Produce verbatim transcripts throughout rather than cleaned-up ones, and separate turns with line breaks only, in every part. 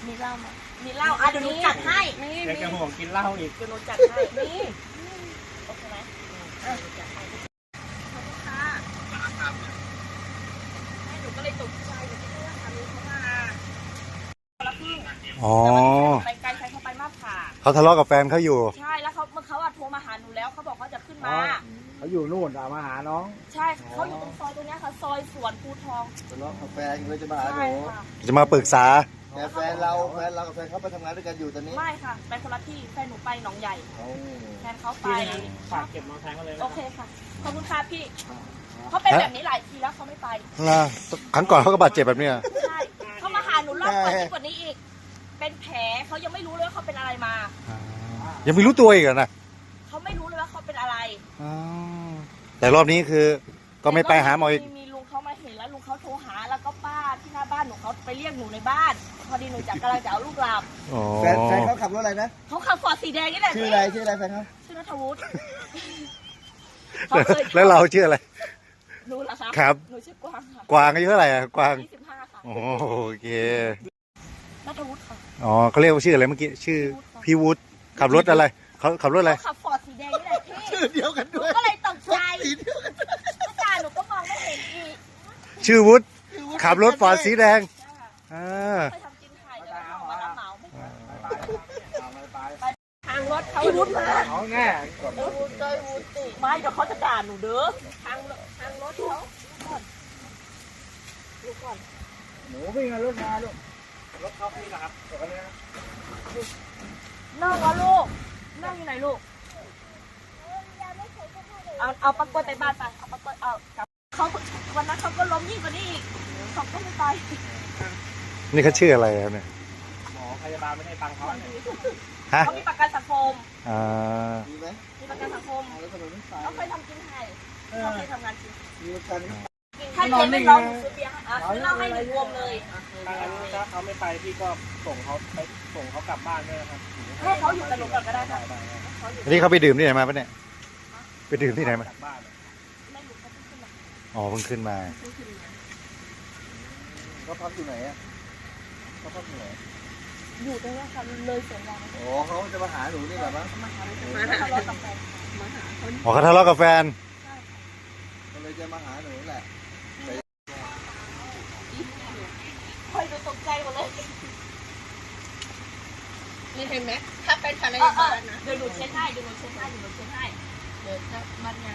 มีเหล้าไหมมีเหล้าอ่ะเดี๋ยวหนูจัดให้มี
แกจะห่วงกินเหล้าอีก
เดี๋ยวหนูจัดให้มีโอเคไหมเออจัดให้ขอบคุณค่ะให้หนูก็เลยตกใจหนูคิดว่าสามีเขามาแล้วพึ่ง
อ๋อ
ไปไกลใครเขาไปมากค่ะ
เขาทะเลาะกับแฟนเขาอยู่
ใช่แล้วเขาเมื่อเขาอะโทรมาหาหนูแล้วเขาบอกเขาจะขึ้นมา
เขาอยู่นู่นเอามาหาน้อง
ใช่เขาอยู่ตรงซอยตรงเนี้ยค่ะซอยสวนภูทอง
ทะเลาะกับแฟนเลยจะมาหาห
ใช่
นู
ค่ะ
จะมาปรึกษา
แต่แฟนเราแฟนเรากับแฟนเขาไปทำงานด้วยกันอยู่ตอนนี้
ไม่ค่ะไปคนละที่แฟนหนูไปหนองใหญ่
เอา
แฟนเขาไป
ฝากเก็บมอเตอร์ไซค์เขาเลย
โอเคค่ะขอบคุณค่ะพี่เขาเป็นแบบนี้หลายทีแล้วเขาไม่ไป
นะครั้งก่อนเขาก็บาดเจ็บแบบเนี้ย
ใช่เขามาหาหนูรอบก่อนที่กว่านี้อีก เป็นแผลเขายังไม่รู้เลยว่าเขาเป็นอะไรมา
ยังไม่รู้ตัวอีกเหรอนะ
เขาไม่รู้เลยว่าเขาเป็นอะไร
อ๋อแต่รอบนี้คือก็ไม่ไปหาหมออีก
มีลุงเขามาเห็นแล้วลุงเขาโทรหาแล้วก็ป้าที่หน้าบ้านหนูเขาไปเรียกหนูในบ้าน พอดีหนูจักกำลังจะเอาลูกหลับ
อ๋อ
แฟนแฟนเขาขับรถอะไรนะ
เขาขับฟอร์ดสีแดงนี่แหละ
ชื่ออะไรชื่ออะไรแฟนเขา
ชื่อนัทวุฒิ
แล้วเราชื่ออะไร
รู้แล้วครับ
ครับ
หนูชื่อกวางค่ะ
กวางอายุเท่าไหร่อะกวาง
ยี่สิบห้าค่ะ
โอเค
นัทวุฒิค่ะ
อ๋อเขาเรียกว่าชื่ออะไรเมื่อกี้ชื่อพี่วุฒิขับรถอะไรเขาขับรถอะไร
เขาขับฟอร์ดสีแดงนี่แหละพี่
ชื่อเดียวกัน
หนู
ด้วย
ก็เลยตกใจ
สีเดียวกัน
ก็ตาหนูก็มองไม่เห็นอีก
ชื่อวุฒิขับรถฟอร์ดสีแดง
ใช่ค่ะ
อ่า
เคยทำกินไข่ด้วยแล้วมารับเหมาไม่
ไป
ทางรถเขาวุฒิมา
เอาแน่
วุฒิเลยวุฒิไม่เดี๋ยวเขาจะด่าหนูเด้อทางทางรถเขาก่อนดูก่อน
หนูวิ่งรถมาลูกรถเขาพี่นะครับเดี๋ยวกันนะ
นั่งวะลูกนั่งอยู่ไหนลูกเอาเอาปักกวนไปบ้านไปเอาปักกวนเอากับเขาวันนั้นเขาก็ล้มยิ่งกว่านี้อีกเขาก็ไม่ไป
นี่เขาชื่ออะไรครับเนี่ย
หมอพยาบาลไม่ให้ตังค์เขาเนี่ย
ฮะ
เขามีประกันสังคม
อ่า
มีไหม
มีประกันสังคม
เอาแล้วทำไมไม่ไป
เขาเคยทำกินไทยเขาเคยทำงานกิน
มีประกัน
ถ้าเจ๊ไม่ร้องหนูซื้อเบียร์ให้อ่ะซื้อเหล้าให้หนึ่งรวมเลย
ถ้างั้นถ้าเขาไม่ไปพี่ก็ส่งเขาไปส่งเขากลับบ้านด้วยนะครับ
ให้เขาอยู่กับหนูก่อนก็ได้ค่ะ
ได้ได้
เขาอยู่
อันนี้เขาไปดื่มที่ไหนมาปะเนี่ยไปดื่มที่ไหนมา
กลับบ้าน
ไม่รู้เขาเพิ่งขึ้นมา
อ๋อเพิ่งขึ้นมา
เพิ่งขึ้นมา
เขาพักอยู่ไหนอ่ะเขาพักอยู่ไหน
อยู่ตรงนี้ค่ะเลยสวนยาง
อ๋อเขาจะมาหาหนูนี่แหละมั้ง
มาหามาหาทะเลาะกับแฟนมาหาเขา
อ๋อเขาทะเลาะกับแฟน
ก็เลยจะมาหาหนูแหละ
คอยดูตกใจหมดเลย
นี่เห็นไหมถ้าเป็นภรร
เออย
าบ้านนะ
เดี๋ยวหนูเช็ดให้เดี๋ยวหนูเช็ดให้เดี๋ยวหนูเช็ดให้
เดี๋ยวจะมันไง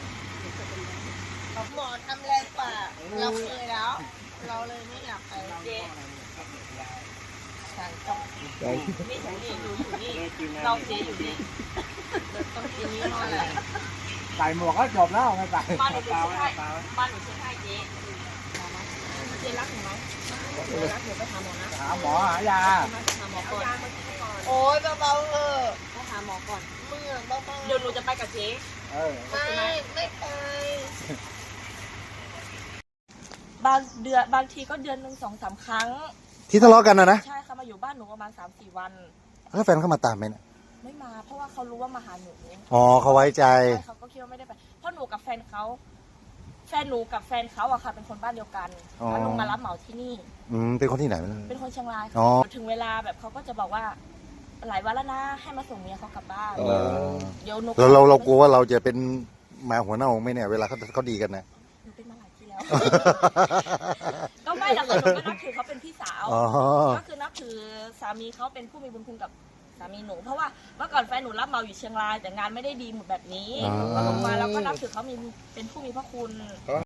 หมอทำแรงกว่า เราเคยแล้ว เราเลยไม่อยากไป
เจ๊
ฉันต้อง
นี่ฉันนี่หนูอยู่นี่เราเจ๊อยู่นี่
ต้องกินนี้หน่อย
ใส่หมวกก็จบแล้วไม่ใส่
บ้านหนูเช็
ตา
ด
ไว้
ให้
ตาไว้
บ้านหนูเช็ดให้เจ๊เจ๊รักหนูไหมเจ๊รักหนูไปหาหมอนะ
หาหมอหายา
มาหาหมอก่อน
โอ๊ยเบาๆเออ
ไปหาหมอก่อน
มึงอะเบาๆ
เดี๋ยวหนูจะไปกับเจ๊
เออ
ไม่ไม่ไป
บางเดือนบางทีก็เดือนหนึ่งสองสามครั้ง
ที่ทะเลาะกันนะนะ
ใช่ค่ะมาอยู่บ้านหนูประมาณสามสี่วัน
แล้วแฟนเขามาตามไหมเนี่ย
ไม่มา เพราะว่าเขารู้ว่ามาหาหนู
อ๋อเขาไว้ใจ
ใช่เขาก็คิดว่าไม่ได้ไปเพราะหนูกับแฟนเขาแฟนหนูกับแฟนเขาอะค่ะเป็นคนบ้านเดียวกัน
อ๋อ
แล้วลงมารับเหมาที่นี่
อืมเป็นคนที่ไหนไม่รู้
เป็นคนเชียงราย
อ๋อ
ถึงเวลาแบบเขาก็จะบอกว่า หลายวันแล้วนะให้มาส่งเมียเขากลับบ้าน
เออ
เดี๋ยวหนู
เราเราเรากลัวว่าเราจะเป็นหมาหัวเน่าไหมเนี่ยเวลาเขาเขาดีกันนะ
หนูเป็นมาหลายทีแล้ว ก็ไม่หรอกค่ะหนูก็นับถือเขาเป็นพี่สาว
อ๋อ
ก็คือนับถือสามีเขาเป็นผู้มีบุญคุณกับสามีหนู เพราะว่าเมื่อก่อนแฟนหนูรับเหมาอยู่เชียงรายแต่งานไม่ได้ดีเหมือนแบบนี้
อ๋อ
ก็ลงมาแล้วก็นับถือเขามีเป็นผู้มีพระคุณ